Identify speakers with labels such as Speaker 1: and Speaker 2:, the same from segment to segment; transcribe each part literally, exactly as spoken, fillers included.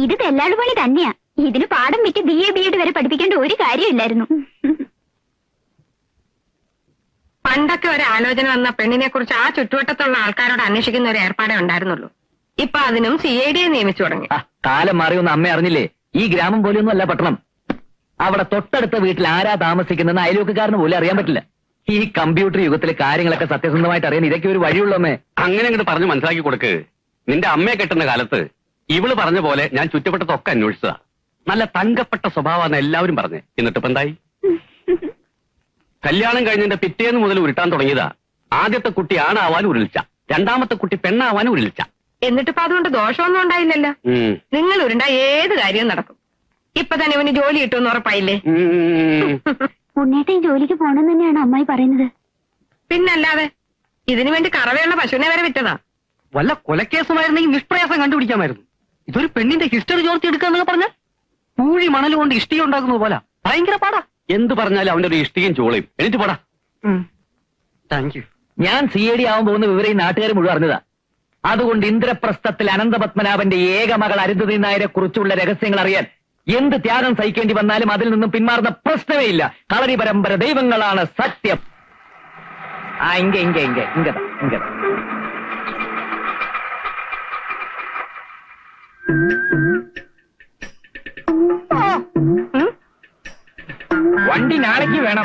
Speaker 1: ഇത് തെല്ലാളു പണി തന്നെയാ. ഇതിന് പാഠം വിറ്റ് ബി എ ബി എഡ് വരെ പഠിപ്പിക്കേണ്ട ഒരു കാര്യമില്ലായിരുന്നു.
Speaker 2: പണ്ടൊക്കെ ഒരു ആലോചന വന്ന പെണ്ണിനെ കുറിച്ച് ആ ചുറ്റുവട്ടത്തുള്ള ആൾക്കാരോട് അന്വേഷിക്കുന്ന ഒരു ഏർപ്പാടേ ഉണ്ടായിരുന്നുള്ളൂ. ഇപ്പൊ അതിനും സി ഐ ഡിയെ നിയമിച്ചു തുടങ്ങി.
Speaker 3: കാലം മാറിയൊന്നും അമ്മ അറിഞ്ഞില്ലേ? ഈ ഗ്രാമം പോലെയൊന്നും അല്ല പട്ടണം. അവിടെ തൊട്ടടുത്ത വീട്ടിൽ ആരാ താമസിക്കുന്നതെന്ന് അയൽവക്കാരന് പോലും അറിയാൻ പറ്റില്ല. ഈ കമ്പ്യൂട്ടർ യുഗത്തിലെ കാര്യങ്ങളൊക്കെ സത്യസന്ധമായിട്ട് അറിയാൻ ഇതൊക്കെ ഒരു വഴിയുള്ളമ്മേ.
Speaker 4: അങ്ങനെ അങ്ങോട്ട് പറഞ്ഞ് മനസ്സിലാക്കി കൊടുക്ക്. നിന്റെ അമ്മയെ കെട്ടുന്ന കാലത്ത് ഇവള് പറഞ്ഞ പോലെ ഞാൻ ചുറ്റപ്പെട്ടതൊക്കെ അന്വേഷിച്ചതാ. നല്ല തങ്കപ്പെട്ട സ്വഭാവമാണ് എല്ലാവരും പറഞ്ഞ്. എന്നിട്ടിപ്പോ എന്തായി? കല്യാണം കഴിഞ്ഞതിന്റെ പിറ്റേന്ന് മുതൽ ഉരുട്ടാൻ തുടങ്ങിയതാ. ആദ്യത്തെ കുട്ടി ആണാവാൻ ഉരുളിച്ച, രണ്ടാമത്തെ കുട്ടി പെണ്ണാവാൻ ഉരുളിച്ച.
Speaker 2: എന്നിട്ടിപ്പോ അതുകൊണ്ട് ദോഷമൊന്നും ഉണ്ടായില്ലല്ലോ. നിങ്ങൾ ഉരുണ്ട ഏത് കാര്യവും നടക്കും. ഇപ്പൊ തന്നെ ഇവന് ജോലി കിട്ടുമെന്ന് ഉറപ്പായില്ലേ?
Speaker 1: ഉണ്ണേട്ടൻ ജോലിക്ക് പോണെന്ന് തന്നെയാണ് അമ്മായി പറയുന്നത്.
Speaker 2: പിന്നല്ലാതെ ഇതിനു വേണ്ടി കറവയുള്ള പശുവിനെ വരെ വിറ്റതാ.
Speaker 3: വല്ല കൊലക്കേസുമായിരുന്നെങ്കിൽ നിഷ്പ്രയാസം കണ്ടുപിടിക്കാമായിരുന്നു. ഇതൊരു പെണ്ണിന്റെ ഹിസ്റ്ററി ചോർത്തി എടുക്കാന്നൊക്കെ പറഞ്ഞാൽ പൂഴി മണൽ കൊണ്ട് ഇഷ്ടിക ഉണ്ടാക്കുന്നത് പോലെ ഭയങ്കര പാടാ.
Speaker 4: എന്ത് പറഞ്ഞാലും അവന്റെ ഒരു ഇഷ്ടികയും ചോളയും. എനിക്ക് പോടാ.
Speaker 3: Thank you. ഞാൻ സി ഐ ഡി ആവാൻ പോകുന്ന വിവരം ഈ നാട്ടുകാർ മുഴുവൻ അറിഞ്ഞതാ. അതുകൊണ്ട് ഇന്ദ്രപ്രസ്ഥത്തിൽ അനന്തപത്മനാഭന്റെ ഏക മകൾ അരുന്ധതി നായരെ കുറിച്ചുള്ള രഹസ്യങ്ങൾ അറിയാൻ എന്ത് ത്യാഗം സഹിക്കേണ്ടി വന്നാലും അതിൽ നിന്നും പിന്മാറുന്ന പ്രശ്നമേ ഇല്ല. കളരി പരമ്പര ദൈവങ്ങളാണ് സത്യം. ആ ഇങ്ക ഇങ്ക ഇങ്ക ഇങ്കതാ ഇങ്കതാ വണ്ടി നാളേക്ക് വേണം.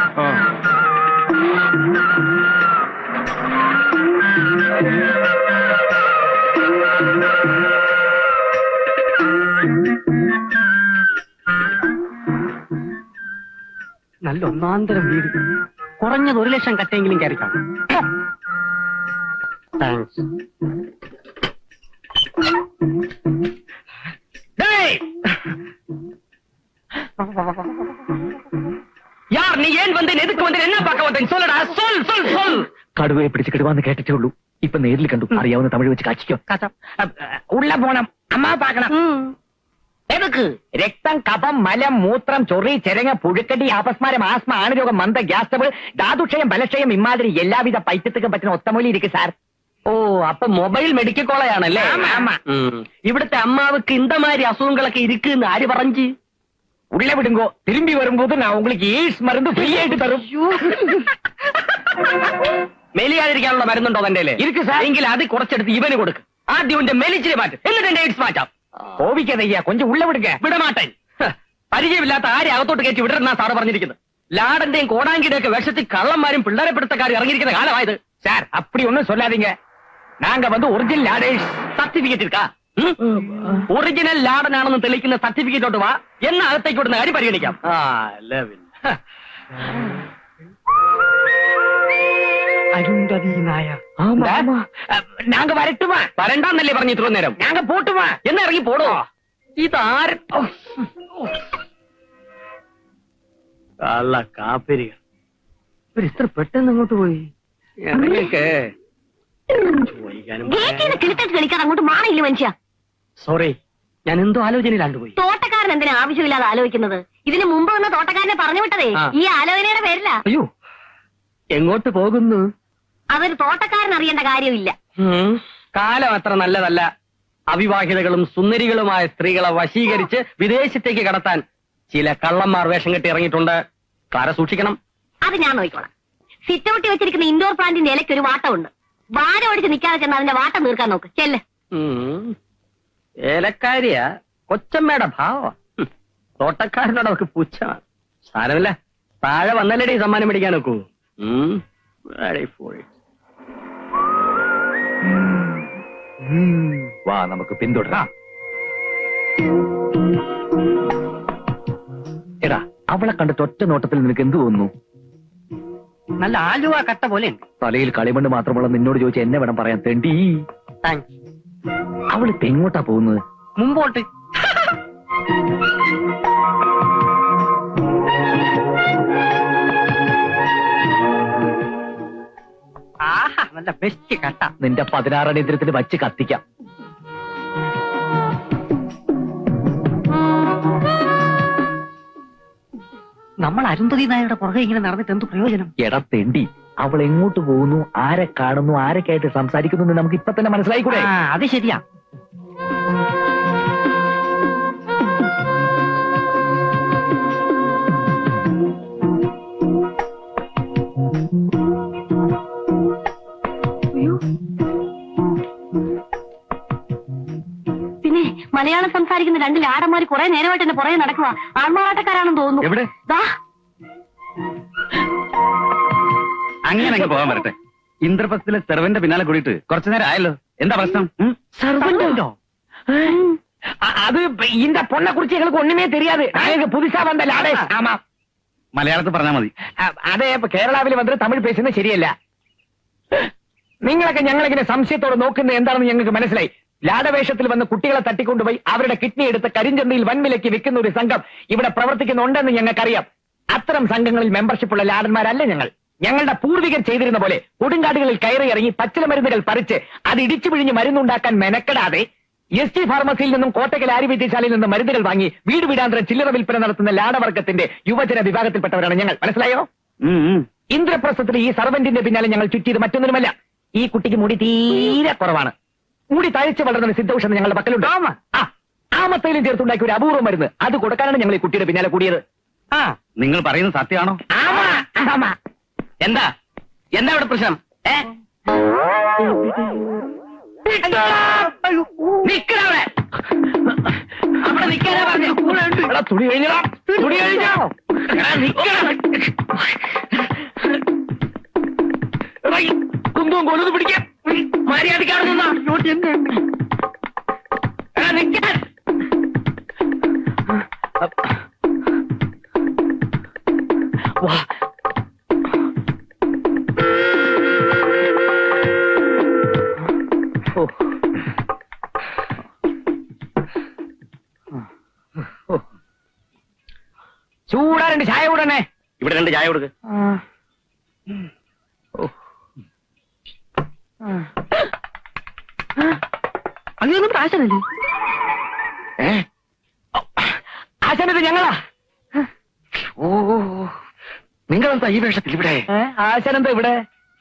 Speaker 3: നല്ല ഒന്നാന്തരം വീട്. കുറഞ്ഞത് ഒരു ലക്ഷം കട്ടെങ്കിലും കയറിക്കാം. താങ്ക്സ്. യാർ നീ ഏൻ വന്ന് എതുക്ക് വന്ന് എന്നാ പാക്ക വന്നേ? സൊല്ലടാ, സൊൽ സൊൽ സൊൽ. കടുവയെ പിടിച്ച് കിടുവാന്ന് കേട്ടിട്ടേ ഉള്ളൂ. ഇപ്പൊ നേരിൽ കണ്ടു. അറിയാവുന്ന തമിഴ് വെച്ച് കാച്ചിക്കോ. ഉള്ള പോണം അമ്മ പാക്കണം. എതുക്ക്? രക്തം, കഫം, മലം, മൂത്രം, ചൊറി, ചെരങ്ങ, പുഴുക്കടി, അപസ്മാരം, ആസ്മ, ആണുരോഗം, മന്ദ, ഗ്യാസ് ട്രബിൾ, ധാതുക്ഷയം, ബലക്ഷയം, ഇമാതിരി എല്ലാവിധ പൈത്യത്തുക്കും പറ്റുന്ന ഒത്തമൂലി ഇരിക്കും സാർ. ഓ, അപ്പൊ മൊബൈൽ മെഡിക്കൽ കോളേജാണല്ലേ? ഇവിടുത്തെ അമ്മാവക്ക് ഇന്തമാതിരി അസുഖങ്ങളൊക്കെ ഇരിക്കുന്ന ആര് പറഞ്ഞു? ഉള്ള വിടുങ്കോ തിരുമ്പി വരുമ്പോൾ ഞാൻ உங்களுக்கு എയ്ഡ്സ് മരുന്ന് ഫ്രീ ആയിട്ട് തരും. മെലിയാതിരിക്കാനുള്ള മരുന്നുണ്ടോ തന്റെ? ഇരിക്കും സാർ. എങ്കിൽ അത് കുറച്ചെടുത്ത് ഇവന് കൊടുക്കും. ആദ്യം എന്റെ മെലിച്ചിരി മാറ്റും, എന്നിട്ട് എന്റെ എയ്ഡ്സ് മാറ്റാം. കോപിക്കതയ്യ കൊഞ്ചം ഉള്ള വിടുക. വിടമാട്ടൻ. പരിചയമില്ലാത്ത ആരെ അകത്തോട്ട് കയറ്റി വിടരുന്നാ സാറ് പറഞ്ഞിരിക്കുന്നത്. ലാടന്റെയും കോടാങ്കിയുടെ ഒക്കെ വേഷത്തിൽ കള്ളന്മാരും പിള്ളേരെ പിടുത്തക്കാരും ഇറങ്ങിയിരിക്കുന്ന കാലമായത്. സാർ അപ്പടി ഒന്നും சொல்லாதீங்க. நாங்க வந்து ஒரிஜினல் லாடேஷ் സർട്ടിഫിക്കറ്റ് இருக்கா? ഒറിജിനൽ ലാടനാണെന്ന് തെളിയിക്കുന്ന സർട്ടിഫിക്കറ്റോട്ട് വാ. എന്ന അകത്തേക്ക് വിടുന്ന കാര്യം പരിഗണിക്കാം. അരുന്ധതി നായർ. നാങ്ക വരട്ടുമാ? വരണ്ടാന്നല്ലേ പറഞ്ഞു ഇത്ര നേരം? ഞാങ്ക പോട്ടുമാ? എന്നാ ഇറങ്ങി പോടോ. ഇതാര കാപ്പരികൾ ഇത്ര പെട്ടെന്ന് അങ്ങോട്ട് പോയി?
Speaker 1: കളിക്കാൻ അങ്ങോട്ട് മാറിയില്ല മനുഷ്യ.
Speaker 3: സോറി, ഞാൻ എന്തോ ആലോചനയിലാണ്ട് പോയി.
Speaker 1: തോട്ടക്കാരൻ എന്തിനാ ആവശ്യമില്ലാതെ ആലോചിക്കുന്നത്? ഇതിന് മുമ്പ് വന്ന തോട്ടക്കാരനെ പറഞ്ഞു വിട്ടതേ ഈ ആലോചനയുടെ പേരില്ല.
Speaker 3: അയ്യോ, എങ്ങോട്ട് പോകുന്നു?
Speaker 1: അതൊരു തോട്ടക്കാരൻ അറിയേണ്ട കാര്യമില്ല.
Speaker 3: കാലം അത്ര നല്ലതല്ല. അവിവാഹിതകളും സുന്ദരികളുമായ സ്ത്രീകളെ വശീകരിച്ച് വിദേശത്തേക്ക് കടത്താൻ ചില കള്ളന്മാർ വേഷം കെട്ടി ഇറങ്ങിയിട്ടുണ്ട്. കാര സൂക്ഷിക്കണം.
Speaker 1: അത് ഞാൻ നോക്കിക്കോളാം. സിറ്റൗട്ടി വെച്ചിരിക്കുന്ന ഇൻഡോർ പ്ലാന്റിന്റെ ഇലയ്ക്ക് ഒരു വാട്ടമുണ്ട്. വാരം ഓടിച്ച് നിൽക്കാതെ ചെന്ന് അതിന്റെ വാട്ടം തീർക്കാൻ നോക്ക്. ചെല്ല്.
Speaker 3: ഏലക്കാരിയാ കൊച്ചമ്മയുടെ ഭാവം. തോട്ടക്കാരനോട് അവർക്ക് പുച്ഛമാണ്. സാരമില്ല, താഴെ വന്നല്ലേടി സമ്മാനം മേടിക്കാൻ നോക്കൂ. വാ നമുക്ക് പിന്തുടരാം. എടാ, അവളെ കണ്ടിട്ട് ഒറ്റ നോട്ടത്തിൽ നിനക്ക് എന്ത് തോന്നുന്നു?
Speaker 2: നല്ല ആലുവ കട്ട പോലെ.
Speaker 3: തലയിൽ കളിമണ്ണ് മാത്രമുള്ള നിന്നോട് ചോദിച്ചാൽ എന്നെ വേണം പറയാൻ തെണ്ടി. അവള് തെങ്ങോട്ടാ പോകുന്നത്?
Speaker 2: മുമ്പോട്ട്. ആഹാ, നല്ല ബെസ്റ്റ് കട്ട.
Speaker 3: നിന്റെ പതിനാറടിയന്ത്രത്തിന് വച്ച് കത്തിക്കാം.
Speaker 2: നമ്മൾ അരുന്ധതി നായരുടെ പുറകെ ഇങ്ങനെ നടന്നിട്ട് എന്ത് പ്രയോജനം?
Speaker 3: എടാ തെണ്ടി, അവൾ എങ്ങോട്ട് പോകുന്നു, ആരെ കാണുന്നു, ആരൊക്കെയായിട്ട് സംസാരിക്കുന്നു നമുക്ക് ഇപ്പൊ തന്നെ മനസ്സിലായിക്കൂടെ?
Speaker 2: അത് ശരിയാ.
Speaker 1: മലയാളം സംസാരിക്കുന്ന രണ്ട് ലാടന്മാർ കുറെ നേരമായിട്ട് എന്നെ പുറകെ നടക്കുക. ആൺമാറാട്ടക്കാരാണെന്ന് തോന്നുന്നു.
Speaker 4: എവിടെ?
Speaker 1: ദാ.
Speaker 4: അങ്ങനെ പോകാൻ വരട്ടെ. ഇന്ദ്രപ്രസ്ഥത്തിലെ സെർവന്റെ പിന്നാലെ കൂടിയിട്ട് കുറച്ചു നേരം ആയല്ലോ. എന്താ പ്രശ്നം?
Speaker 3: സർവന്റോ? അത് இந்த பொண்ணை குறிச்சு எங்களுக்கு ஒண்ணுமே தெரியாது. நாங்க புதுசா வந்த லாடேஷ். ஆமா,
Speaker 4: മലയാളത്തിൽ പറഞ്ഞാൽ മതി.
Speaker 3: അതേ ഇപ്പൊ കേരളാവിൽ വന്നിട്ട് തമിഴ് പേശുന്നത് ശരിയല്ല. നിങ്ങളൊക്കെ ഞങ്ങളിങ്ങനെ സംശയത്തോടെ നോക്കുന്നത് എന്താണെന്ന് ഞങ്ങൾക്ക് മനസ്സിലായി. ലാടവേഷത്തിൽ വന്ന് കുട്ടികളെ തട്ടിക്കൊണ്ടുപോയി അവരുടെ കിഡ്നി എടുത്ത് കരിഞ്ചന്തയിൽ വൻവിലയ്ക്ക് വിൽക്കുന്ന ഒരു സംഘം ഇവിടെ പ്രവർത്തിക്കുന്നുണ്ടെന്ന് ഞങ്ങൾക്കറിയാം. അത്തരം സംഘങ്ങളിൽ മെമ്പർഷിപ്പുള്ള ലാടന്മാരല്ല ഞങ്ങൾ. ഞങ്ങളുടെ പൂർവികർ ചെയ്തിരുന്ന പോലെ കൊടുങ്കാടുകളിൽ കയറി ഇറങ്ങി പച്ചില മരുന്നുകൾ പറിച്ച് അത് ഇടിച്ചു പിഴിഞ്ഞ് മരുന്നുണ്ടാക്കാൻ മെനക്കെടാതെ എസ് ടി ഫാർമസിയിൽ നിന്നും കോട്ടയ്ക്കൽ ആര്യവൈദ്യശാലയിൽ നിന്നും മരുന്നുകൾ വാങ്ങി വീട് വീടാന്തരം ചില്ലറ വിൽപ്പന നടത്തുന്ന ലാടവർഗത്തിന്റെ യുവജന വിഭാഗത്തിൽപ്പെട്ടവരാണ് ഞങ്ങൾ. മനസ്സിലായോ? ഇന്ദ്രപ്രസ്ഥത്തിൽ ഈ സർവന്റിന്റെ പിന്നാലെ ഞങ്ങൾ ചുറ്റിയത് മറ്റൊന്നുമല്ല. ഈ കുട്ടിക്ക് മുടി തീരെ കുറവാണ്. മുടി തഴച്ച് വളർന്ന സിദ്ധൌഷധം ഞങ്ങളുടെ പക്കലുണ്ട്. ആ ആമത്തയിലും ചേർത്തുണ്ടാക്കിയ ഒരു അപൂർവ മരുന്ന് അത് കൊടുക്കാനാണ് ഞങ്ങൾ ഈ കുട്ടിയുടെ പിന്നാലെ കൂടിയത്.
Speaker 4: ആ നിങ്ങൾ പറയുന്നത് സത്യമാണോ?
Speaker 3: എന്താ എന്താ ഇവിടെ പ്രശ്നം? നിക്കണവിടെ അവിടെ നിക്കാനാ പറഞ്ഞു. തുണി കഴിഞ്ഞോ? തുണി കഴിഞ്ഞോ? കുന്തവും കൊല്ലത് പിടിക്കാം. മര്യാദക്കാണ് നിന്നാ നിക്കാൻ. വാ ചൂടാ രണ്ട് ചായ കൂടണേ.
Speaker 4: ഇവിടെ രണ്ട് ചായ കൊടുക്ക്.
Speaker 3: അങ്ങനെയൊന്നും ആശാനല്ലേ? ആശാനത് ഞങ്ങളാ.
Speaker 4: ഓ നിങ്ങളെന്താ ഈ വേഷത്തിൽ ഇവിടെ?
Speaker 3: ആശാനെന്താ ഇവിടെ?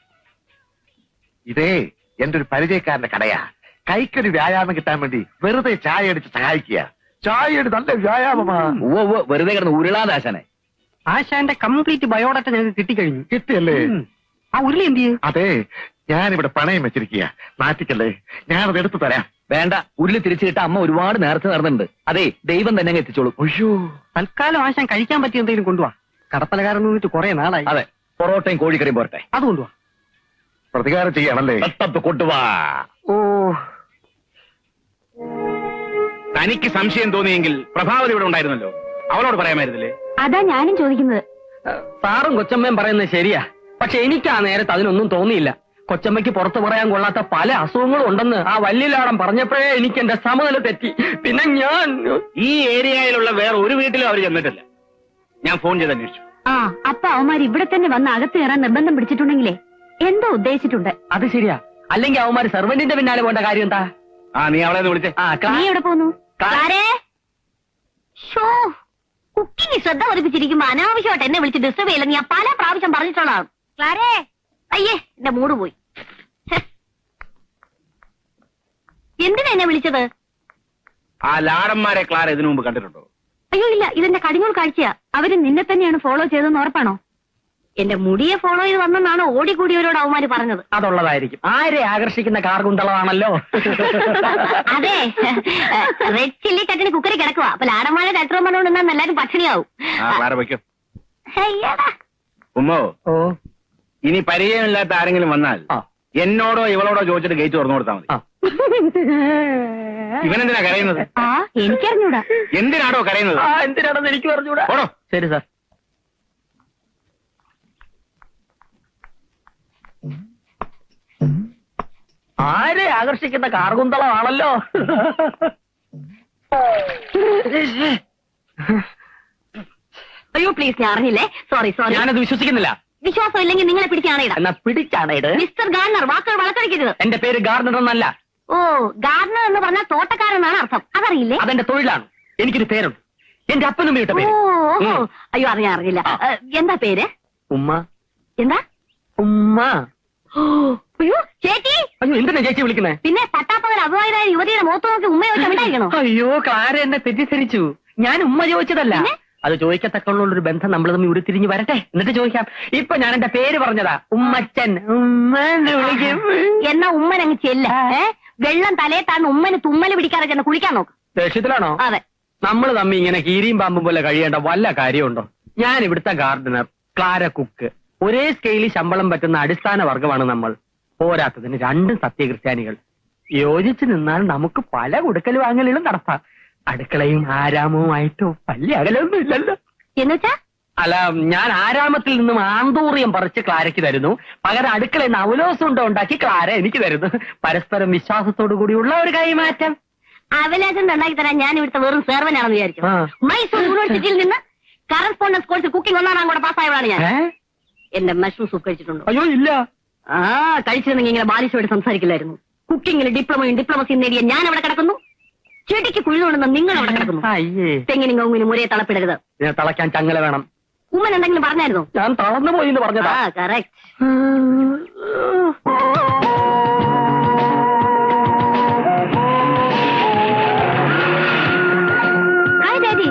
Speaker 5: ഇതേ എന്റെ ഒരു പരിചയക്കാരന്റെ കടയാ. കൈക്കൊരു വ്യായാമം കിട്ടാൻ വേണ്ടി വെറുതെ ചായ അടിച്ച് സഹായിക്കുക. ചായയുടെ നല്ല വ്യായാമമാ.
Speaker 3: ഓ ഓ വെറുതെ കിടന്ന് ഉരുളാതെ ആശാനെ.
Speaker 2: ആശാന്റെ കംപ്ലീറ്റ് ബയോഡാറ്റ ഞങ്ങൾക്ക് കിട്ടിക്കഴിഞ്ഞു.
Speaker 5: കിട്ടിയല്ലേ?
Speaker 2: ആ ഉരുളി എന്ത് ചെയ്യും?
Speaker 5: അതെ, ഞാനിവിടെ പണയം വെച്ചിരിക്കുക. നാട്ടിക്കല്ലേ, ഞാനത് എടുത്തു തരാം.
Speaker 3: വേണ്ട, ഉരുളി തിരിച്ചു കിട്ടാൻ അമ്മ ഒരുപാട് നേരത്തെ നടന്നിട്ടുണ്ട്. അതെ, ദൈവം തന്നെ അങ്ങ് എത്തിച്ചോളൂ.
Speaker 5: അയ്യോ,
Speaker 2: തൽക്കാലം ആശാൻ കഴിക്കാൻ പറ്റിയ എന്തെങ്കിലും കൊണ്ടുപോവാ. കടപ്പലകാരൻ നിന്നിട്ട് കുറെ നാളായി.
Speaker 3: അതെ, പൊറോട്ടയും കോഴിക്കറിയും പോരട്ടെ.
Speaker 2: അത് കൊണ്ടുപോവാ.
Speaker 5: പ്രതികാരം ചെയ്യാണല്ലേ?
Speaker 3: കൊണ്ടുവാ.
Speaker 5: ഓ,
Speaker 4: തനിക്ക് സംശയം തോന്നിയെങ്കിൽ പ്രഭാവതി ഇവിടെ ഉണ്ടായിരുന്നല്ലോ, അവളോട് പറയാമായിരുന്നില്ലേ?
Speaker 1: അതാ ഞാനും ചോദിക്കുന്നത്.
Speaker 2: സാറും കൊച്ചമ്മയും പറയുന്നത് ശരിയാ. പക്ഷെ എനിക്ക് ആ നേരത്ത് അതിനൊന്നും തോന്നിയില്ല. കൊച്ചമ്മയ്ക്ക് പുറത്തു പറയാൻ കൊള്ളാത്ത പല അസുഖങ്ങളും ഉണ്ടെന്ന് ആ വല്യലാടം പറഞ്ഞപ്പോഴേ എനിക്ക് എന്റെ സമനില തെറ്റി. പിന്നെ ഞാൻ
Speaker 4: ഈ ഏരിയയിലുള്ള വേറെ ഒരു വീട്ടിലും അവർ ചെന്നിട്ടില്ല. ഞാൻ ഫോൺ ചെയ്ത് അന്വേഷിച്ചു.
Speaker 1: ആ അപ്പൊ അവന്മാർ ഇവിടെ തന്നെ വന്ന് അകത്ത് കയറാൻ നിർബന്ധം പിടിച്ചിട്ടുണ്ടെങ്കിലേ എന്തോ ഉദ്ദേശിച്ചിട്ടുണ്ട്.
Speaker 2: അത് ശരിയാ. അല്ലെങ്കിൽ അവന്മാര് സെർവന്റിന്റെ പിന്നാലെ പോകേണ്ട കാര്യം എന്താ?
Speaker 4: ആ നീ അവളെ ഒന്ന് വിളിച്ചേ.
Speaker 1: നീ എവിടെ പോന്നു? കുക്കിംഗ് ശ്രദ്ധ പതിപ്പിച്ചിരിക്കുമ്പോ അനാവശ്യമായിട്ട് എന്നെ വിളിച്ച് ഡിസ്റ്റർബ് ചെയ്യില്ല. ഞാൻ പല പ്രാവശ്യം പറഞ്ഞിട്ടുള്ളതാണ്. ക്ലാരേ, അയ്യേ എന്റെ മൂഡ് പോയി. എന്തിനാ എന്നെ വിളിച്ചത്?
Speaker 4: ആ ലാടന്മാരെ ക്ലാര ഇതിനു മുമ്പ് കണ്ടിട്ടുണ്ടോ?
Speaker 1: അയ്യോ ഇല്ല, ഇതെന്റെ കടിഞ്ഞൂൽ കാഴ്ചയാ. അവര് നിന്നെ തന്നെയാണ് ഫോളോ ചെയ്തതെന്ന് ഉറപ്പാണോ? എന്റെ മുടിയെ ഫോളോ ചെയ്ത് വന്നെന്നാണ് ഓടിക്കൂടിയവരോട് അവന്മാര് പറഞ്ഞത്.
Speaker 2: അതുള്ളതായിരിക്കും. ആരെ ആകർഷിക്കുന്ന കാർഗുന്തളമാണല്ലോ.
Speaker 1: അതെ, റെഡ് ചില്ലി ചട്ടിന് കുക്കറി കിടക്കുക. അപ്പൊ ലാടന്മാരെ ഡാക്ടർ പറഞ്ഞോണ്ട് നിന്നാൽ എല്ലാരും പട്ടിണിയാവും.
Speaker 4: ക്ലാര വയ്ക്കും.
Speaker 1: അയ്യടാ.
Speaker 4: ഉമ്മോ,
Speaker 2: ഓ
Speaker 4: ഇനി പരിചയമില്ലാത്ത ആരെങ്കിലും വന്നാൽ എന്നോടോ ഇവളോടോ ചോദിച്ചിട്ട് ഗേറ്റ് തുറന്നു കൊടുത്താൽ മതി. ഇവനെന്തിനാ കരയുന്നത്?
Speaker 1: ആ എനിക്കറിഞ്ഞൂടാ.
Speaker 4: എന്തിനാടോ കരയുന്നത്?
Speaker 2: എന്തിനാണെന്ന് എനിക്ക് പറഞ്ഞൂടാ.
Speaker 4: ഓടോ.
Speaker 2: ശരി സാർ. ആരെ ആകർഷിക്കുന്ന കാർഗുന്തളമാണല്ലോ.
Speaker 1: അയ്യോ പ്ലീസ്, ഞാൻ അറിഞ്ഞില്ലേ. Sorry sorry.
Speaker 3: ഞാനത് വിശ്വസിക്കുന്നില്ല.
Speaker 1: വിശ്വാസം ഇല്ലെങ്കിൽ നിങ്ങളെ പിടിച്ചാണേടാ.
Speaker 3: എന്നാ പിടിച്ചാണേട്.
Speaker 1: മിസ്റ്റർ ഗാർണർ, വാക്കുകൾ വളർത്തടിക്കരുത്.
Speaker 3: എന്റെ പേര് ഗാർഡനർ എന്നല്ല.
Speaker 1: ഓ, ഗാർഡനർ എന്ന് പറഞ്ഞാൽ തോട്ടക്കാരെന്നാണ് അർത്ഥം. അതറിയില്ലേ?
Speaker 3: അതെന്റെ തൊഴിലാണ്. എനിക്കൊരു പേരുണ്ട്. എന്റെ അപ്പനും വീട്ട
Speaker 1: ഓ
Speaker 3: പേര്.
Speaker 1: ഓ, അയ്യോ അറിഞ്ഞ അറിഞ്ഞില്ല. എന്താ പേര്?
Speaker 3: ഉമ്മ.
Speaker 1: എന്താ?
Speaker 3: ഉമ്മ.
Speaker 1: അയ്യോ ചേച്ചി.
Speaker 3: അയ്യോ എന്തിനാ ചേച്ചി വിളിക്കുന്നേ?
Speaker 1: പിന്നെ പട്ടാപ്പകൽ അപവാദമായ യുവതിയുടെ മുഖത്ത് നോക്കി ഉമ്മ ചോദിച്ചാൽ ഉണ്ടായിരിക്കണോ?
Speaker 3: അയ്യോ ക്ലാര എന്നെ തെറ്റിദ്ധരിച്ചു. ഞാൻ ഉമ്മ ചോദിച്ചതല്ല. അത് ചോദിക്കത്തക്കുള്ള ഒരു ബന്ധം നമ്മൾ തമ്മിൽ ഉരുത്തിരിഞ്ഞ് വരട്ടെ, എന്നിട്ട് ചോദിക്കാം. ഇപ്പൊ ഞാൻ എന്റെ പേര് പറഞ്ഞതാ, ഉമ്മച്ചൻ. ഉമ്മന്ന് വിളിക്കും.
Speaker 1: എന്നാ ഉമ്മൻ അങ്ങ് ചെല്ല. വെള്ളം തലയെ താഴ്ന്ന് ഉമ്മന് തുമ്മല് പിടിക്കാതെ ചെന്ന് കുളിക്കാൻ നോക്ക്.
Speaker 2: ദേഷ്യത്തിലാണോ?
Speaker 1: അതെ.
Speaker 2: നമ്മൾ തമ്മി ഇങ്ങനെ കീരിയും പാമ്പും പോലെ കഴിയേണ്ട വല്ല കാര്യമുണ്ടോ? ഞാൻ ഇവിടുത്തെ ഗാർഡനർ, ക്ലാര കുക്ക്, ഒരേ സ്കെയിലിൽ ശമ്പളം പറ്റുന്ന അടിസ്ഥാന വർഗമാണ് നമ്മൾ. പോരാത്തതിന് രണ്ടും സത്യക്രിസ്ത്യാനികൾ. യോജിച്ചു നിന്നാൽ നമുക്ക് പല കൊടുക്കൽ വാങ്ങലുകളും നടത്താം. അടുക്കളയും ആരാമവുമായിട്ടോ വലിയ അകലൊന്നും ഇല്ലല്ലോ.
Speaker 1: എന്നുവെച്ചാ?
Speaker 2: അല്ല, ഞാൻ ആരാമത്തിൽ നിന്നും ആന്തൂറിയം പറിച്ച് ക്ലാരയ്ക്ക് തരുന്നു, പകരം അടുക്കളയിൽ നിന്ന് അവലോസം ഉണ്ടോ ഉണ്ടാക്കി ക്ലാര എനിക്ക് തരുന്നു. പരസ്പരം വിശ്വാസത്തോടു കൂടിയുള്ള ഒരു കൈമാറ്റം.
Speaker 1: അവലാസം ഉണ്ടാക്കി തരാൻ ഞാൻ ഇവിടുത്തെ വെറും സേർവനാണെന്ന് വിചാരിച്ചു. മൈസൂർ യൂണിവേഴ്സിറ്റിയിൽ നിന്ന് കറസ്പോണ്ടൻസ് കോഴ്സ് കുക്കിംഗ് ഒന്നാം കൂടെ പാസ്സായവളാണ് ഞാൻ. എന്റെ മഷ്റൂം സൂപ്പ് കഴിച്ചിട്ടുണ്ടോ?
Speaker 2: അയ്യോ ഇല്ല.
Speaker 1: ആ കഴിച്ചിരുന്നെങ്കിൽ ഇങ്ങനെ ബാലിശോട് സംസാരിക്കില്ലായിരുന്നു. കുക്കിംഗിൽ ഡിപ്ലോമയും ഡിപ്ലോമസിയും നേടിയ ഞാൻ അവിടെ കിടക്കുന്നു, ചെടിക്ക് കുഴിതുകൊണ്ടെന്ന് നിങ്ങൾ അവിടെ കിടക്കുന്നു. തെങ്ങിനും കവുങ്ങിനും ഒരേ തളപ്പിടരുത്.
Speaker 2: തളയ്ക്കാൻ ചങ്ങല വേണം.
Speaker 1: ഉമ്മൻ എന്തെങ്കിലും പറഞ്ഞായിരുന്നോ?
Speaker 2: ഞാൻ തളർന്നു പോയി എന്ന് പറഞ്ഞതാ.
Speaker 1: ആ കറക്റ്റ്. Hi daddy.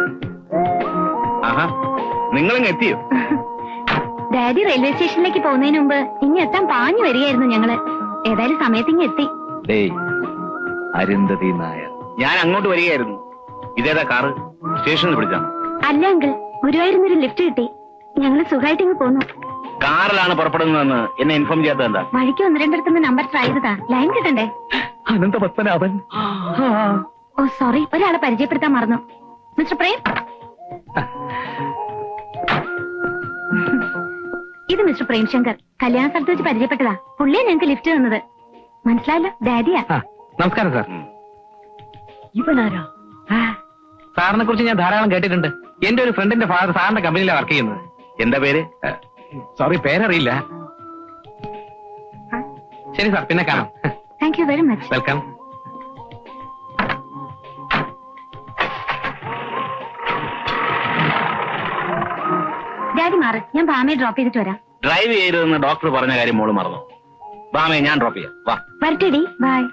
Speaker 3: നിങ്ങളും എത്തിയോ?
Speaker 1: ഡാഡി റെയിൽവേ സ്റ്റേഷനിലേക്ക് പോകുന്നതിന് മുമ്പ് ഇനി എത്താൻ പാഞ്ഞു വരികയായിരുന്നു ഞങ്ങള്. ഏതായാലും സമയത്ത് ഇങ്ങ് എത്തി.
Speaker 3: അരുന്ധതി നായർ, ഞാൻ അങ്ങോട്ട് വരികയായിരുന്നു. ഇതേതാ കാറ്? സ്റ്റേഷനിൽ പിടിച്ചാണ്?
Speaker 1: അല്ല അങ്കിൾ, ഗുരുവായൂരിന്നൊരു ലിഫ്റ്റ് കിട്ടി. ഞങ്ങള് സുഖമായിട്ട് ഇങ്ങ് പോന്നു.
Speaker 3: കാറിലാണ് പുറപ്പെടുന്നതെന്ന് എന്നെ ഇൻഫോം ചെയ്യാത്തത് എന്താ?
Speaker 1: വഴിക്ക് ഒന്ന് രണ്ടിടത്തുനിന്ന് നമ്പർ ട്രൈ ചെയ്തതാ, ലൈൻ കിട്ടണ്ടേ?
Speaker 3: അനന്തപത്മനാഭൻ.
Speaker 1: ഓ സോറി, ഒരാളെ പരിചയപ്പെടുത്താൻ മറന്നു. മിസ്റ്റർ പ്രേം, ഇത് മിസ്റ്റർ പ്രേംശങ്കർ. കല്യാണ സ്ഥലത്ത് വെച്ച് പരിചയപ്പെട്ടതാ. പുള്ളിയെ ഞങ്ങൾക്ക് ലിഫ്റ്റ് തന്നത്. മനസ്സിലായല്ലോ, ഡാഡിയാ.
Speaker 2: നമസ്കാരം സാർ.
Speaker 1: ഇവനാരാ?
Speaker 2: സാറിനെ കുറിച്ച് ഞാൻ ധാരാളം കേട്ടിട്ടുണ്ട്. എന്റെ ഒരു ഫ്രണ്ടിന്റെ ഫാദർ സാറിന്റെ കമ്പനിയിലാണ് വർക്ക് ചെയ്യുന്നത്.
Speaker 3: എന്താ പേര്?
Speaker 2: സോറി, പേരറിയില്ല. ശരി സാർ, പിന്നെ കാണാം.
Speaker 1: Thank you very much.
Speaker 2: Welcome.
Speaker 1: Daddy മാറ്, ഞാൻ ബാമയെ ഡ്രോപ്പ് ചെയ്തിട്ട് വരാം.
Speaker 3: ഡ്രൈവ് ചെയ്യരുതെന്ന് ഡോക്ടർ പറഞ്ഞ കാര്യം മോള് മറന്നു. ബാമയെ ഞാൻ ഡ്രോപ്പ് ചെയ്യാം. വാ.
Speaker 1: വരട്ടെടി, ബൈ.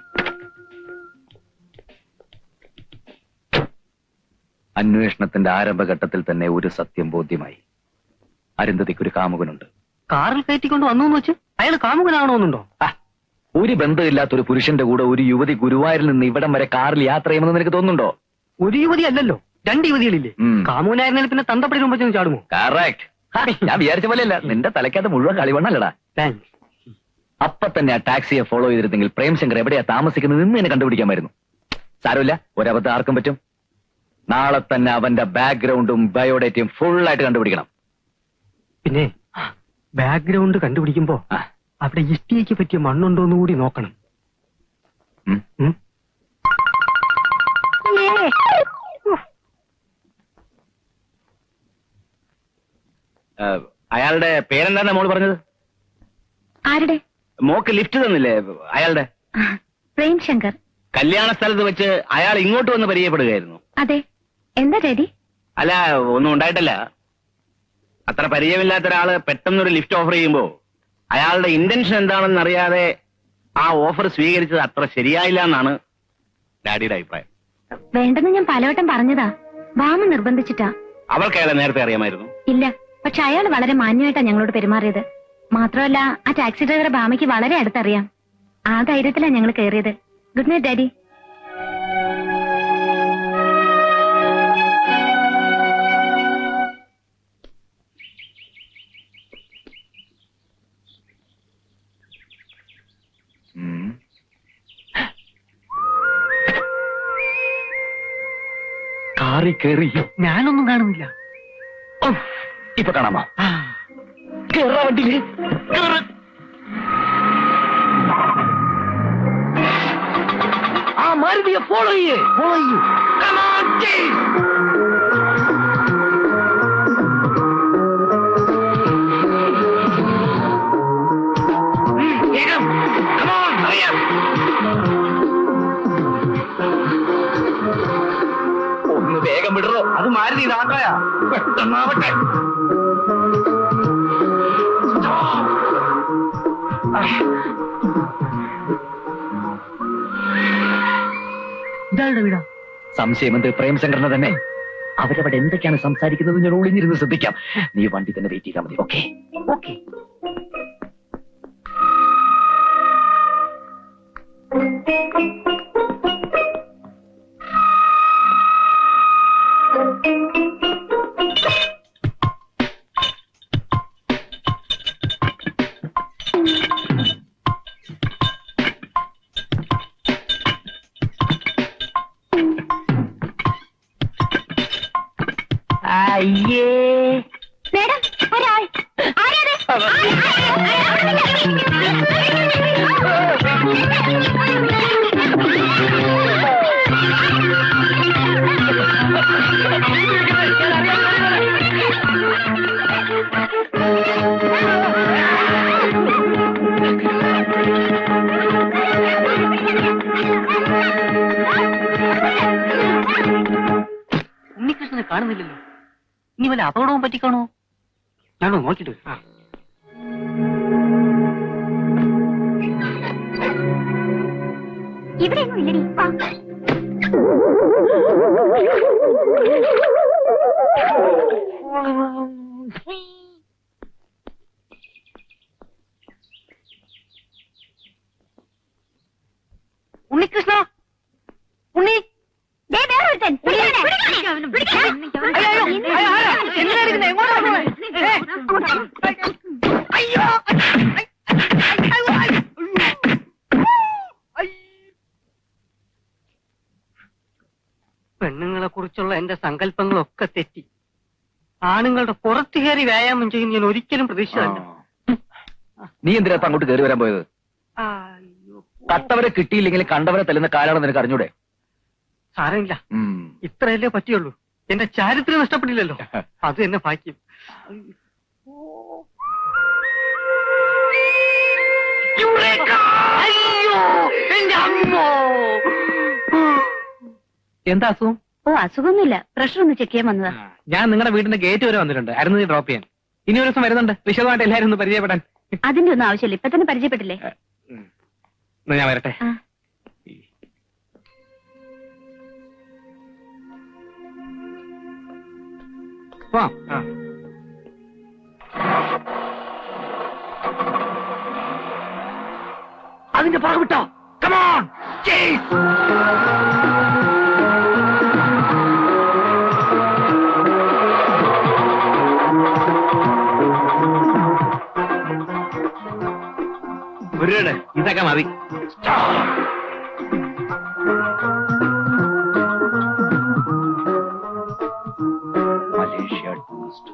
Speaker 3: അന്വേഷണത്തിന്റെ ആരംഭഘട്ടത്തിൽ തന്നെ ഒരു സത്യം ബോധ്യമായി. അരുന്ധതിക്കൊരു കാമുകനുണ്ട്.
Speaker 2: കാറിൽ കയറ്റിക്കൊണ്ട് വന്നു എന്ന് വെച്ച് അയാൾ കാമുകനാണോന്നുണ്ടോ?
Speaker 3: ഒരു ബന്ധമില്ലാത്തൊരു പുരുഷന്റെ കൂടെ ഒരു യുവതി ഗുരുവായൂരിൽ നിന്ന് ഇവിടം വരെ കാറിൽ യാത്ര ചെയ്യുമെന്ന് നിനക്ക് തോന്നുന്നുണ്ടോ?
Speaker 2: ഒരു യുവതി അല്ലല്ലോ, രണ്ട് യുവതികളില്ലേ? കാമുകനായിരുന്നെങ്കിൽ പിന്നെ തന്തപ്പടി മുമ്പ് ചെന്ന് ചാടുമോ?
Speaker 3: കറക്റ്റ്. ഞാൻ വിചാരിച്ച പോലെയല്ല, നിന്റെ തലയ്ക്കകത്ത് മുഴുവൻ കളിവണ്ണല്ലടാ.
Speaker 2: താങ്ക്സ്.
Speaker 3: അപ്പൊ തന്നെ ആ ടാക്സിയെ ഫോളോ ചെയ്തിരുന്നെങ്കിൽ പ്രേംശങ്കർ എവിടെയാ താമസിക്കുന്നത് നിന്ന് എന്നെ കണ്ടുപിടിക്കാമായിരുന്നു. സാരമില്ല, ഒരബദ്ധം ആർക്കും പറ്റും. നാളെ തന്നെ അവന്റെ ബാക്ക്ഗ്രൗണ്ടും ബയോഡേറ്റയും ഫുൾ ആയിട്ട് കണ്ടുപിടിക്കണം.
Speaker 2: പിന്നെ ബാക്ക്ഗ്രൗണ്ട് കണ്ടുപിടിക്കുമ്പോ അവിടെ ഇഷ്ടിയയ്ക്ക് പറ്റിയ മണ്ണുണ്ടോന്ന് കൂടി നോക്കണം.
Speaker 3: അയാളുടെ പേരെന്താ മോള് പറഞ്ഞത്?
Speaker 1: ആരുടെ?
Speaker 3: മോക്ക് ലിഫ്റ്റ് തന്നില്ലേ അയാളുടെ?
Speaker 1: പ്രേംശങ്കർ.
Speaker 3: കല്യാണ സ്ഥലത്ത് വെച്ച് അയാൾ ഇങ്ങോട്ട് വന്ന് പരിചയപ്പെടുകയായിരുന്നു.
Speaker 1: അതെ. എന്താ ഡാഡി?
Speaker 3: അല്ല, ഒന്നും ഉണ്ടായിട്ടല്ല. അത്ര പരിചയമില്ലാത്ത ഒരാള് പെട്ടെന്നൊരു ലിഫ്റ്റ് ഓഫർ ചെയ്യുമ്പോ അയാളുടെ ഇന്റൻഷൻ എന്താണെന്ന് അറിയാതെ ആ ഓഫർ സ്വീകരിച്ചത് അത്ര ശരിയായില്ല എന്നാണ് ഡാഡിയുടെ അഭിപ്രായം.
Speaker 1: വേണ്ടെന്ന് ഞാൻ പലവട്ടം പറഞ്ഞതാ, ബാമ നിർബന്ധിച്ചിട്ടാ.
Speaker 3: അവൾക്ക് അയാളെ നേരത്തെ അറിയാമായിരുന്നു?
Speaker 1: ഇല്ല, പക്ഷെ അയാൾ വളരെ മാന്യമായിട്ടാ ഞങ്ങളോട് പെരുമാറിയത്. മാത്രമല്ല, ആ ടാക്സി ഡ്രൈവറെ ബാമയ്ക്ക് വളരെ അടുത്തറിയാം. ആ ധൈര്യത്തിലാ ഞങ്ങൾ കയറിയത്. Good night daddy.
Speaker 3: കാറി കയറി
Speaker 2: ഞാനൊന്നും കാണുന്നില്ല.
Speaker 3: ഇപ്പൊ കാണാമോ? കേറാ വണ്ടിയില്.
Speaker 2: ആ മാരുതിയെ ഫോളോ ചെയ്യേ ഫോളോ ചെയ്യൂ.
Speaker 3: ഒന്ന് വേഗം വിടറോ.
Speaker 2: അത് മാരുതി നാട്ടയാ.
Speaker 3: പെട്ടെന്നാവട്ടെ.
Speaker 2: ഇതാളുടെ വീടാ?
Speaker 3: സംശയം എന്ത്? പ്രേംശങ്കറിനെ തന്നെ. അവരവിടെ എന്തൊക്കെയാണ് സംസാരിക്കുന്നത് ഞാൻ ഒളിഞ്ഞിരുന്ന് ശ്രദ്ധിക്കാം. നീ വണ്ടി തന്നെ വെയിറ്റ് ചെയ്താൽ മതി. Okay
Speaker 2: okay.
Speaker 3: അയ്യേ
Speaker 1: മേഡം ഒരാൾ ആരാത്?
Speaker 2: ഉണ്ണികൃഷ്ണനെ കാണുന്നില്ലല്ലോ. ഇനി വല്ല അപകടവും പറ്റിക്കാണോ? ഞാനോ നോക്കിട്ട്
Speaker 1: ഇവിടെ ഇല്ലടി.
Speaker 2: ഉണ്ണികൃഷ്ണ, ഉണ്ണി പെണ്ണുങ്ങളെ കുറിച്ചുള്ള എന്റെ സങ്കല്പങ്ങളൊക്കെ തെറ്റി. ആണുങ്ങളുടെ പുറത്തു കയറി വ്യായാമം ചെയ്യും ഞാൻ ഒരിക്കലും പ്രതീക്ഷിച്ചതല്ല.
Speaker 3: നീ എന്തിനാ അങ്ങോട്ട് കയറി വരാൻ പോയത്? കട്ടവരെ കിട്ടിയില്ലെങ്കിൽ കണ്ടവരെ തല്ലുന്ന കാലാണെന്ന് നിനക്ക് അറിഞ്ഞൂടെ?
Speaker 2: സാരമില്ല, ഇത്രയല്ലേ പറ്റിയുള്ളൂ. എന്റെ ചാരിത്രം നഷ്ടപ്പെട്ടില്ലല്ലോ, അത് എന്നെ ഭാഗ്യം. എന്താ അസുഖം?
Speaker 1: ഓ അസുഖമൊന്നുമില്ല, പ്രഷർ ഒന്ന് ചെക്ക് ചെയ്യാൻ വന്നതാ.
Speaker 2: ഞാൻ നിങ്ങളുടെ വീടിന്റെ ഗേറ്റ് വരെ വന്നിട്ടുണ്ട്, അരുന്ന് ഡ്രോപ്പ് ചെയ്യാൻ. ഇനി ഒരു ദിവസം വരുന്നുണ്ട്, വിശദമായിട്ട് എല്ലാവരും ഒന്ന് പരിചയപ്പെടാൻ.
Speaker 1: അതിന്റെ ഒന്നും ആവശ്യമില്ല, ഇപ്പൊ തന്നെ പരിചയപ്പെട്ടില്ലേ.
Speaker 2: ഞാൻ വരട്ടെ.
Speaker 3: അതിന്റെ പുറകെ വിട്ടോ. കമോൺ
Speaker 2: ഒരുപാട് ഇതൊക്കെ മതി.
Speaker 3: മലേഷ്യ ടൂറിസ്റ്റ്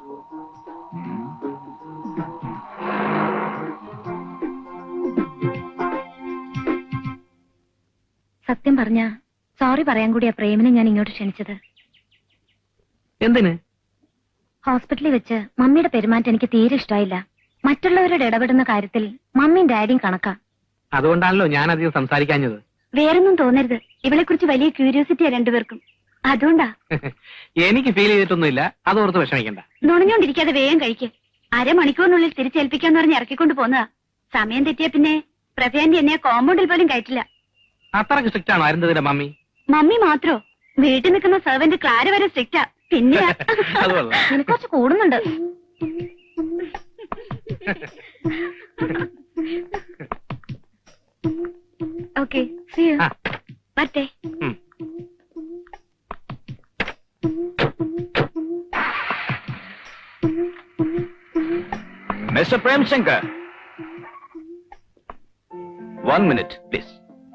Speaker 1: സത്യം പറഞ്ഞ സോറി പറയാൻ കൂടിയാ പ്രേമിനെ ഞാൻ ഇങ്ങോട്ട് ക്ഷണിച്ചത്.
Speaker 2: എന്തിന്?
Speaker 1: ഹോസ്പിറ്റലിൽ വെച്ച് മമ്മിയുടെ പെരുമാറ്റം എനിക്ക് തീരെ ഇഷ്ടമായില്ല. മറ്റുള്ളവരോട് ഇടപെടുന്ന കാര്യത്തിൽ മമ്മിയും ഡാഡിയും കണക്കാ.
Speaker 2: അതുകൊണ്ടാണല്ലോ ഞാൻ അധികം സംസാരിക്കാഞ്ഞത്.
Speaker 1: വേറൊന്നും തോന്നരുത്, ഇവളെ കുറിച്ച് വലിയ ക്യൂരിയോസിറ്റിയാ രണ്ടുപേർക്കും, അതുകൊണ്ടാ.
Speaker 2: എനിക്ക് ഫീൽ ചെയ്തിട്ടൊന്നുമില്ല, അതോർത്ത് വിഷമിക്കണ്ട.
Speaker 1: നുണഞ്ഞോണ്ടിരിക്കാതെ വേഗം കഴിക്ക്. അരമണിക്കൂറിനുള്ളിൽ തിരിച്ചേൽപ്പിക്കാന്ന് പറഞ്ഞ് ഇറക്കിക്കൊണ്ട് പോന്നതാ. സമയം തെറ്റിയ പിന്നെ പ്രഭയാന്റി എന്നെ കോമ്പൗണ്ടിൽ പോലും കയറ്റില്ല.
Speaker 2: അത്രക്ക് സ്ട്രിക്റ്റ് ആണോ അരുന്ധതിന്റെ മമ്മി?
Speaker 1: മമ്മി മാത്രോ, വീട്ടിൽ നിൽക്കുന്ന സെർവന്റ് ക്ലാര വരെ സ്ട്രിക്റ്റാ. പിന്നെ നിനക്ക് കുറച്ച് കൂടുന്നുണ്ട്. ഓക്കെ, വരട്ടെ.
Speaker 3: Mister Premshankar, one minute please.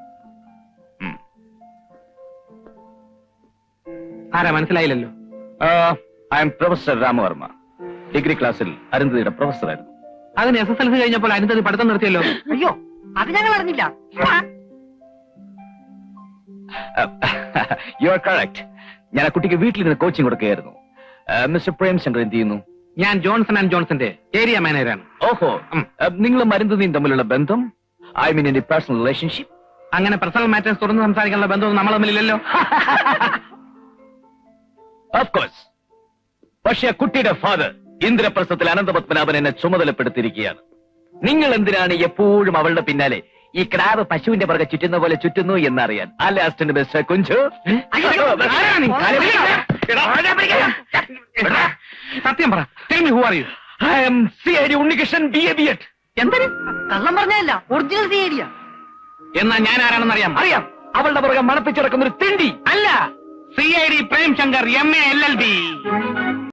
Speaker 2: ആരാ മനസ്സിലായില്ലല്ലോ?
Speaker 3: I am professor Ramavarma, degree ക്ലാസ്സിൽ അരുന്ധതിയുടെ പ്രൊഫസറായിരുന്നു.
Speaker 2: അതിന് എസ് എസ് എൽ സി കഴിഞ്ഞപ്പോൾ അരുന്ധതി പഠിത്തം നിർത്തിയല്ലോ.
Speaker 6: അയ്യോ, അത് ഞങ്ങൾ അറിഞ്ഞില്ല.
Speaker 3: You are correct. ഞാൻ ആ കുട്ടിക്ക് വീട്ടിൽ നിന്ന് കോച്ചിങ് കൊടുക്കുകയായിരുന്നു. മിസ്റ്റർ പ്രേംശങ്കർ എന്ത് ചെയ്യുന്നു?
Speaker 2: ഞാൻ ജോൺസൺ ആൻഡ് ജോൺസന്റെ ഏരിയ മാനേജറാണ്.
Speaker 3: ഓഹോ, നിങ്ങളും അരുന്ധതിയും തമ്മിലുള്ള ബന്ധം, ഐ മീൻ എന്റെ പേഴ്സണൽ റിലേഷൻഷിപ്പ്?
Speaker 2: അങ്ങനെ പേഴ്സണൽ മാറ്റേഴ്സ് തുറന്ന് സംസാരിക്കാനുള്ള ബന്ധമൊന്നും നമ്മൾ തമ്മിലില്ലല്ലോ.
Speaker 3: Of course. പക്ഷെ ആ കുട്ടിയുടെ ഫാദർ ഇന്ദ്രപ്രസ്ഥത്തിൽ അനന്തപത്മനാഭൻ എന്നെ ചുമതലപ്പെടുത്തിയിരിക്കുകയാണ്. നിങ്ങൾ എന്തിനാണ് എപ്പോഴും അവളുടെ പിന്നാലെ ഈ ക്രാബ് പശുവിന്റെ പുറകെ ചുറ്റുന്ന പോലെ ചുറ്റുന്നു എന്നറിയാൻ. അല്ലെ അസിസ്റ്റന്റ് മിസ്റ്റർ കുഞ്ചു?
Speaker 2: സത്യം പറ. Tell me who are you?
Speaker 3: I am C I D Unnikrishnan B A B Ed.
Speaker 6: എന്തിന് കള്ളം പറഞ്ഞല്ല, ഒറിജിനൽ തീയടിയാ.
Speaker 2: എന്നാ ഞാൻ ആരാണെന്ന് അറിയാം?
Speaker 3: അറിയാം. അവളുടെ പുറകെ മണപ്പിച്ചിടക്കുന്ന ഒരു തിണ്ടി.
Speaker 2: അല്ല, C I D Premshankar M A L L B.